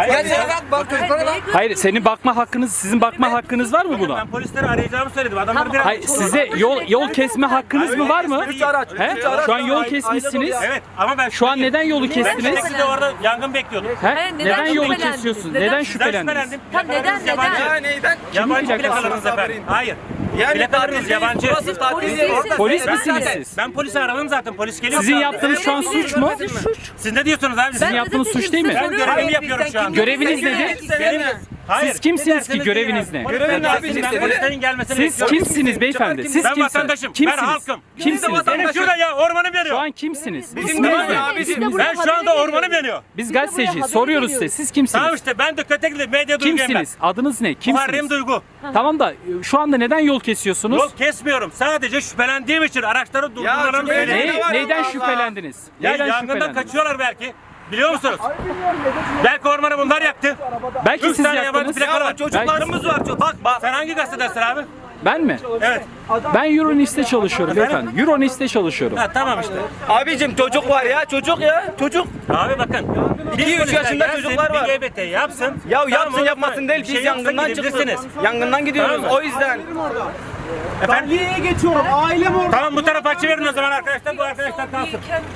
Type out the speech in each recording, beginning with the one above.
Gel sen bak çocuklara bak. Hayır, senin bakma hakkınız, sizin bakma hakkınız var mı buna? Ben polisleri arayacağımı söyledim. Adamlar biraz... Hayır, size yol kesme hakkınız mı var mı? 3 araç. He? Şu an yol kesmişsiniz. Evet ama ben Şu an neden yolu Ben kestiniz? de orada yangın bekliyordum. He? Neden Neden yolu şüphelendiniz? kesiyorsunuz? Neden Neden Sizden şüphelendiniz? şüphelendim. Tam neden, Plakalarınız yabancı. Ya neyden? Yabancı Kimin plakalarınız plakası? efendim. Hayır. Yani Plakalarınız yabancı. Burası tatil Polis değil. değilsiniz. Polis Ben misiniz zaten- siz? Ben polisi aradım zaten. Polis geliyor. Sizin yaptığınız şu an suç mu? Suç. Siz ne diyorsunuz abi? Sizin yaptığınız suç değil mi? Ben görevimi yapıyorum şu an. Göreviniz nedir? Hayır. Siz kimsiniz ki? Ne Göreviniz ne? Görevin abi Ben işte. polislerin gelmesini Siz bekliyorum. kimsiniz beyefendi? Siz Ben kimsiniz? vatandaşım. Kimsiniz? Ben halkım. Kimsiniz? Benim şurada ya ormanım Şu yanıyor. an kimsiniz? Bizim İsminiz de ne? abi, Ben şu anda ormanım yanıyor. Biz gazeteci soruyoruz size. Siz kimsiniz? Tamam işte ben de Kötekli medya duyguyum ben. Kimsiniz? Adınız ne? Muharrem Kimsiniz? Duygu. Tamam da şu anda neden yol kesiyorsunuz? Yol kesmiyorum. Sadece şüphelendiğim için araçları durdurmalarını şüpheli- söyledim. Ne var Neyden Allah Allah. şüphelendiniz? Ya Neyden yangından şüphelendiniz? kaçıyorlar belki. Biliyor musunuz? Belki ormanı bunlar yaktı. Belki Üç siz tane yabancı yaktınız. plaka var. Çocuklarımız var. Bak sen hangi gazetedesin abi? Ben mi? Evet. Ben Euronist'te çalışıyorum beyefendi. Euronist'te çalışıyorum. Ha tamam işte. Abicim çocuk var ya. Çocuk ya. Çocuk. Abi bakın. 2-3 yaşında çocuklar var. Bir GBT yapsın. Ya Tamam, yapsın onu- yapmasın değil. bir şey Biz yoksa yangından gidebilirsiniz. çıktık. Yangından gidiyoruz. Tamam mı? O yüzden. Efendim? geçiyorum. Ailem orada. Tamam bu tarafa açıverin o zaman arkadaşlar. Bu arkadaşlar kalsın.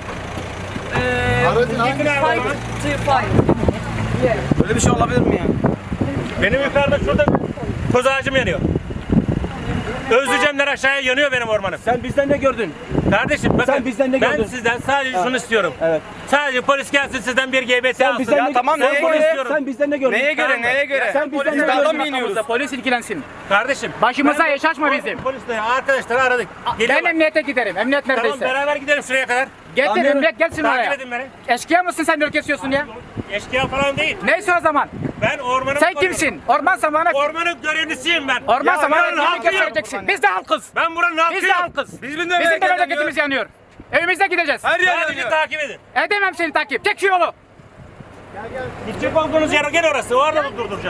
Böyle bir şey olabilir mi ya? Benim yukarıda şurada koz ağacım yanıyor. Özleyeceğimler aşağıya yanıyor benim ormanım. Sen bizden ne gördün? Kardeşim bakın Sen bizden ne ben gördün? sizden sadece şunu istiyorum. Evet. Sadece polis gelsin sizden bir GBT alsın. bizden Ya ne tamam, sen neye polis- göre? Sen bizden ne gördün? Neye göre? Neye göre? Sen bizden Biz ne dağdan gördün? mı iniyoruz? Polis ilgilensin. Kardeşim. Başımıza iş açma bizim. Polisle arkadaşları aradık. Ben Geliyorlar. emniyete giderim. Emniyet Tamam neredeyse. beraber gidelim şuraya kadar. Getir Anlıyorum. emniyet gelsin Takip oraya. edin beni. Eşkıya mısın sen yol kesiyorsun ya? Eşkıya falan değil. Neyse o zaman. Ben ormanı Sen kimsin? Orman zamanı. Ormanın görevlisiyim ben. Orman Ya zamanı ben kimlik halkıyım. göstereceksin. Biz de halkız. Ben buranın Biz de halkıyım. halkız. Bizim Bizim de memleketimiz yanıyor. Evimize gideceğiz. Her yer Sadece yanıyor. takip edin. Edemem seni takip. Tek şu yolu. Gidecek olduğunuz yer gel orası. Orada durduracağım.